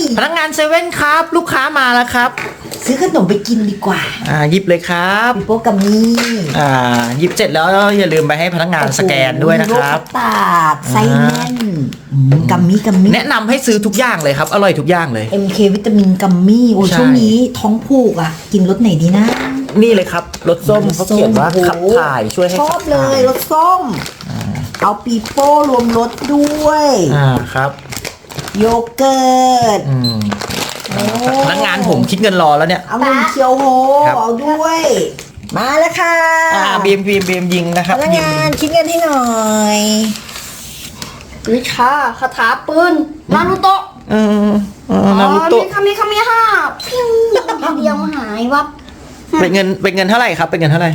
พนักงานเซเว่นครับ ลูกค้ามาแล้วครับซื้อขนมไปกินดีกว่าหยิบเลยครับปิโป้กัมมี่หยิบเสร็จแล้วอย่าลืมไปให้พนักงานสแกนด้วยนะครับโลคัสตาร์ดไส้แน่นกัมมี่แนะนำให้ซื้อทุกอย่างเลยครับ อร่อยทุกอย่างเลย MK วิตามินกัมมี่โอ้ใช่ช่วงนี้ท้องผูกอ่ะ กินรสไหนดีนะนี่เลยครับรสส้มเขาเขียนว่าขับถ่ายช่วยให้ชอบเลยรสส้ม เอาปีโป้รวมรสด้วยครับโยเกิร์ตพนักงานผมคิดเงินรอแล้วเนี่ยเอาเงินเคียวโฮครับเอาด้วย มาแล้วค่ะบีมยิงนะครับพนักงานคิดเงินให้หน่อยวิชาคาถาปืนนารูโตะนารูโตะมีคามิฮ่าพิ้งทีเดียวหายวับเป็นเงินเท่าไหร่ครับเป็นเงินเท่าไหร่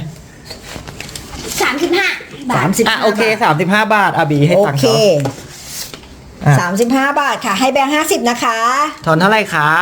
35 บาท 35 โอเค35 บาทบีให้โอตังค์เคเขา 35 บาทค่ะ ให้แบงค์50นะคะทอนเท่าไหร่ครับ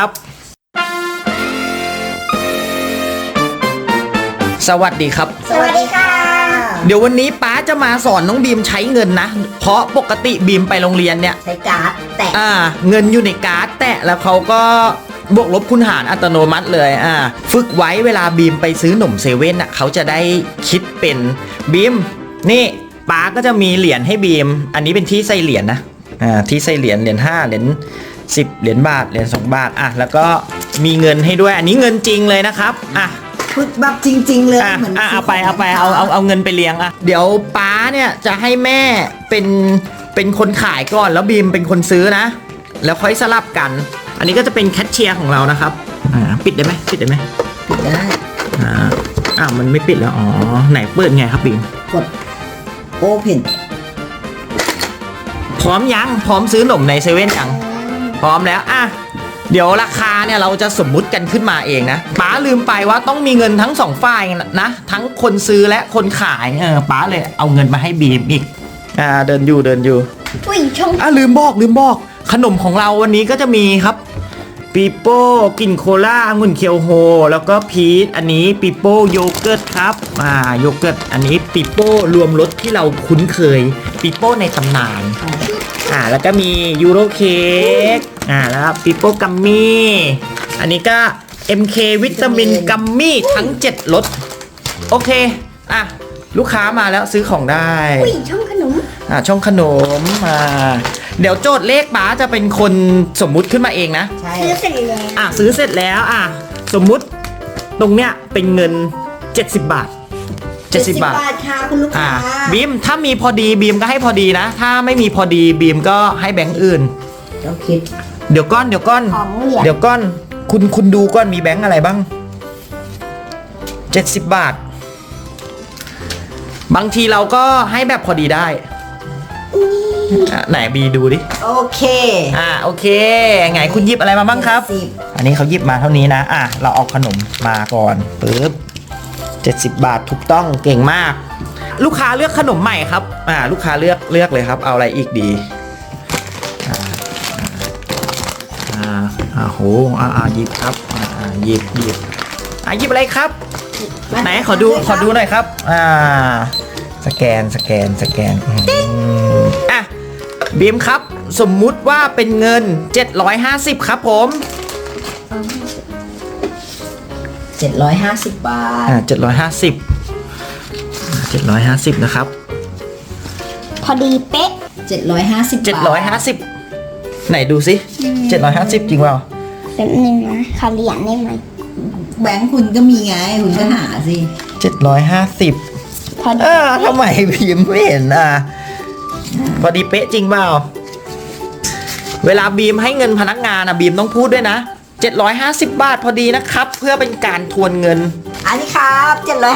สวัสดีครับสวัสดีค่ะเดี๋ยววันนี้ป๊าจะมาสอนน้องบีมใช้เงินนะ เพราะปกติบีมไปโรงเรียนเนี่ยใช้การ์ดแตะเงินอยู่ในการ์ดแตะแล้วเขาก็บวกลบคูณหารอัตโนมัติเลยฝึกไว้เวลาบีมไปซื้อหนมเซเว่นเขาจะได้คิดเป็นบีมนี่ป๊าก็จะมีเหรียญให้บีมอันนี้เป็นที่ใส่เหรียญนะที่ใส่เหรียญ5เหรียญ10เหรียญบาทเหรียญ2 บาทแล้วก็มีเงินให้ด้วยอันนี้เงินจริงเลยนะครับฝึกแบบจริงๆเลยเหมือนเอาไปเอาเงินไปเลี้ยงเดี๋ยวป๊าเนี่ยจะให้แม่เป็นคนขายก่อนแล้วบีมเป็นคนซื้อนะแล้วค่อยสลับกันอันนี้ก็จะเป็นแคชเชียร์ของเรานะครับปิดได้ไหมปิดได้มันไม่ปิดแล้วไหนเปิดไงครับบีมกดโอเพนพร้อมยังพร้อมซื้อหนมในเซเว่นยังพร้อมแล้วเดี๋ยวราคาเนี่ยเราจะสมมุติกันขึ้นมาเองนะป๋าลืมไปว่าต้องมีเงินทั้ง2 ฝ่ายนะทั้งคนซื้อและคนขายป๋าเลยเอาเงินมาให้บีมอีกเดินอยู่อุ้ยชงลืมบอกขนมของเราวันนี้ก็จะมีครับปีโป้กินโคล่าองุ่นเคียวโฮแล้วก็พีชอันนี้ปีโป้โยเกิร์ตครับโยเกิร์ตอันนี้ปีโป้รวมรสที่เราคุ้นเคยปีโป้ในตำนานแล้วก็มียูโรเค้กแล้วปีโป้กัมมี่อันนี้ก็ MK วิตามินกัมมี่ทั้ง7รสโอเคลูกค้ามาแล้วซื้อของได้อุ้ยช่องขนมช่องขนมเดี๋ยวโจทย์เลขป๋าจะเป็นคนสมมุติขึ้นมาเองนะใช่ซื้อเสร็จแล้วซื้อเสร็จแล้วสมมุติตรงเนี้ยเป็นเงิน70 บาท70 บาทค่ะคุณลูกค้าบีมถ้ามีพอดีบีมก็ให้พอดีนะถ้าไม่มีพอดีบีมก็ให้แบงค์อื่นต้องคิดเดี๋ยวก้อนคุณดูก้อนมีแบงค์อะไรบ้าง70 บาทบางทีเราก็ให้แบบพอดีได้ไหนบีดูดิโอเคโอเคไงคุณหยิบอะไรมาบ้างครับอันนี้เขาหยิบมาเท่านี้นะเราเอาขนมมาก่อนปึ๊บ70 บาทถูกต้องเก่งมากลูกค้าเลือกขนมใหม่ครับลูกค้าเลือกเลยครับเอาอะไรอีกดีโหหยิบครับหยิบอะไรครับไหนขอดูหน่อยครับสแกนบีมครับสมมุติว่าเป็นเงิน750ครับผม 750 บาท 750นะครับพอดีเป๊ะ 750ไหนดูสิ750จริงเปล่าแป๊บนึงนะขอเหรียญได้ไหมแบงค์คุณก็มีไงคุณก็หาสิ 750 พอดีทำไมพิมพ์ไม่เห็นพอดีเป๊ะจริงเปล่าเวลาบีมให้เงินพนักงานบีมต้องพูดด้วยนะ750 บาทพอดีนะครับเพื่อเป็นการทวนเงินอันนี้ครับ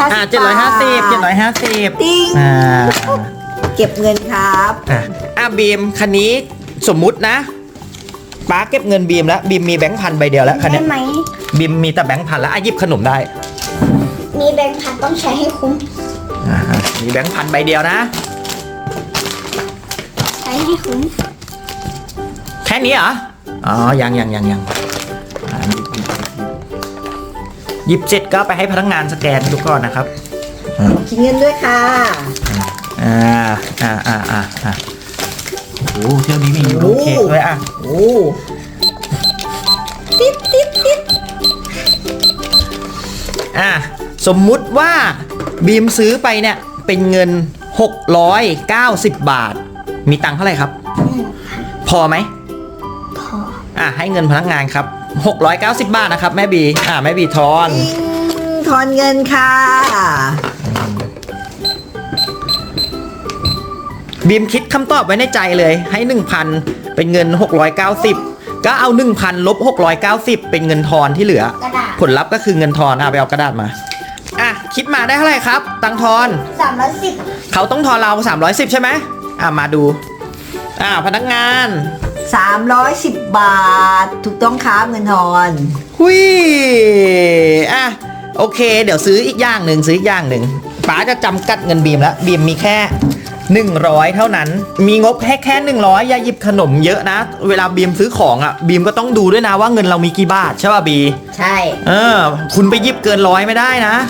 750ติ๊งเก็บเงินครับบีมคันนี้สมมุตินะป้าเก็บเงินบีมแล้วบีมมีแบงค์พันใบเดียวแล้วคันนี้บีมมีแต่แบงค์พันแล้วหยิบขนมได้มีแบงค์พันต้องใช้ให้คุ้มมีแบงค์พันใบเดียวนะใช้ให้คุ้มแค่นี้เหรอยังหยิบเสร็จก็ไปให้พนักงานสแกนดูก่อนนะครับคิดเงินด้วยค่ะโอ้เที่ยวนี้มียูโรเค้กด้วยติดสมมุติว่าบีมซื้อไปเนี่ยเป็นเงิน690 บาท มีตังค์เท่าไหร่ครับ พอไหมพอให้เงินพนักงานครับ690 บาทนะครับแม่บีแม่บีทอนทอนเงินค่ะบีมคิดคำตอบไว้ในใจเลยให้ 1,000 เป็นเงิน690ก็เอา 1,000 ลบ690เป็นเงินทอนที่เหลือกระดาษผลลัพธ์ก็คือเงินทอนไปเอากระดาษมาคิดมาได้เท่าไหร่ครับตังค์ทอน 310 เขาต้องทอนเรา310ใช่ไหมมาดูพนักงาน 310 บาท ถูกต้องครับเงินทอนหุยโอเค เดี๋ยวซื้ออีกอย่างหนึ่งป๋าจะจำกัดเงินบีมแล้วบีมมีแค่100เท่านั้นมีงบแค่100อย่าหยิบขนมเยอะนะเวลาบีมซื้อของบีมก็ต้องดูด้วยนะว่าเงินเรามีกี่บาทใช่ป่ะบีใช่คุณไปหยิบเกิน100ไม่ได้นะ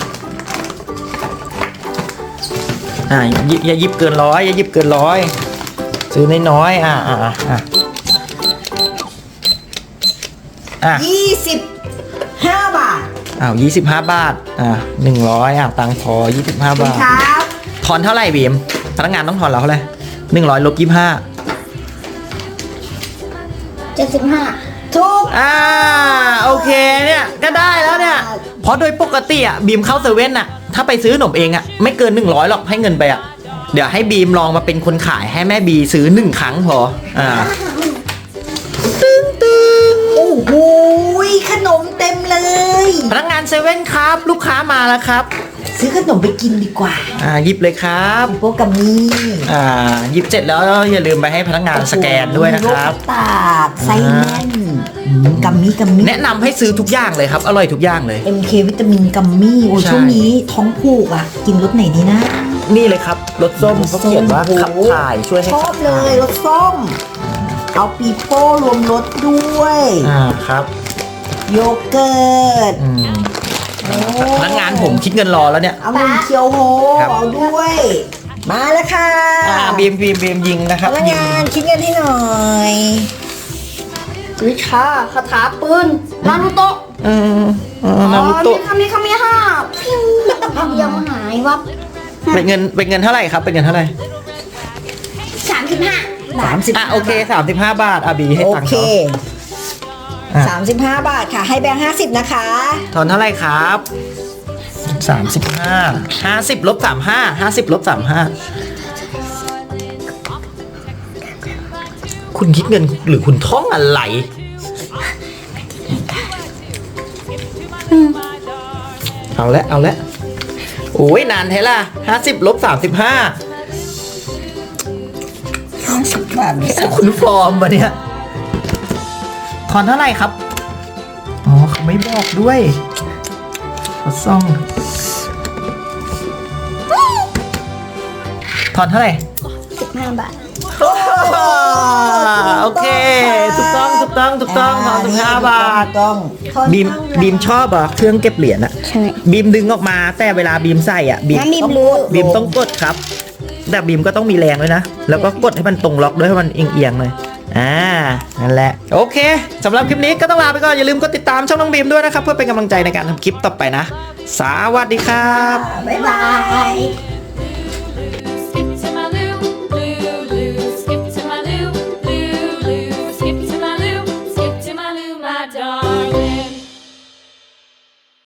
อย่าหยิบเกิน100อย่าหยิบเกิน100ซื้อน้อย 25 บาท 25 บาท100ตังค์พอ25 บาทครับทอนเท่าไหร่บีมพนักงานต้องทอนเราเท่าไหร่100ลบ25 75 ถูกโอเคเนี่ยก็ได้แล้วเนี่ยเพราะโดยปกติบีมเข้าเซเว่นถ้าไปซื้อขนมเองไม่เกิน100หรอกให้เงินไปเดี๋ยวให้บีมลองมาเป็นคนขายให้แม่บีซื้อ1ครั้งพอตึ้งโอ้โหขนมเต็มเลยพนักงานเซเว่นครับลูกค้ามาแล้วครับซื้อขนมไปกินดีกว่าหยิบเลยครับพวกกัมมี่หยิบเสร็จแล้วอย่าลืมไปให้พนักงานสแกนด้วยนะครับมีโลกตากไส้แน่นกัมมี่แนะนำให้ซื้อทุกอย่างเลยครับอร่อยทุกอย่างเลย MK วิตามินกัมมี่โอ้ใช่ช่วงนี้ท้องผูกกินรสไหนดีนะนี่เลยครับรสส้มเขาเขียนว่าขับถ่ายช่วยให้ชอขับบ เลถ่ายรสส้ม เอาปีโป้รวมรสด้วยครับโยเกิร์ตพนักงานผมคิดเงินรอแล้วเนี่ยเอาเงินเคียวโฮครับเอาด้วย มาแล้วค่ะบีมยิงนะครับพนักงานคิดเงินให้หน่อยวิชาคาถาปืนนารูโตะนารูโตะมีคำนี้ห้าพิ้วยังหายวับเป็นเงินเท่าไหร่ครับเป็นเงินเท่าไหร่ 35 30 โอเค35 บาทบีให้โอตังค์เคเขา 35 บาทค่ะ ให้แบงค์50 นะคะทอนเท่าไหร่ครับ35 50ลบ35 50ลบ35คุณคิดเงินหรือคุณท่องอะไรเอาละโอ้ยนานแท้ล่ะ50ลบ35 50 บาทคุณฟอร์มปะเนี่ยทอนเท่าไหร่ครับเขาไม่บอกด้วยเขาซ่องทอนเท่าไหร่ 15 บาทโอเคถูกต้องทอน15 บาทต้องบีมชอบเครื่องเก็บเหรียญใช่บีมดึงออกมาแต่เวลาบีมใส่บีมน้ำบีมรู้บีมต้องกดครับ แต่บีมก็ต้องมีแรงด้วยนะ แล้วก็กดให้มันตรงล็อกด้วยให้มันเอียงๆเลยนั่นแหละโอเคสำหรับคลิปนี้ก็ต้องลาไปก่อนอย่าลืมกดติดตามช่องน้องบีมด้วยนะครับเพื่อเป็นกำลังใจในการทำคลิปต่อไปนะสวัสดีครับบ๊ายบาย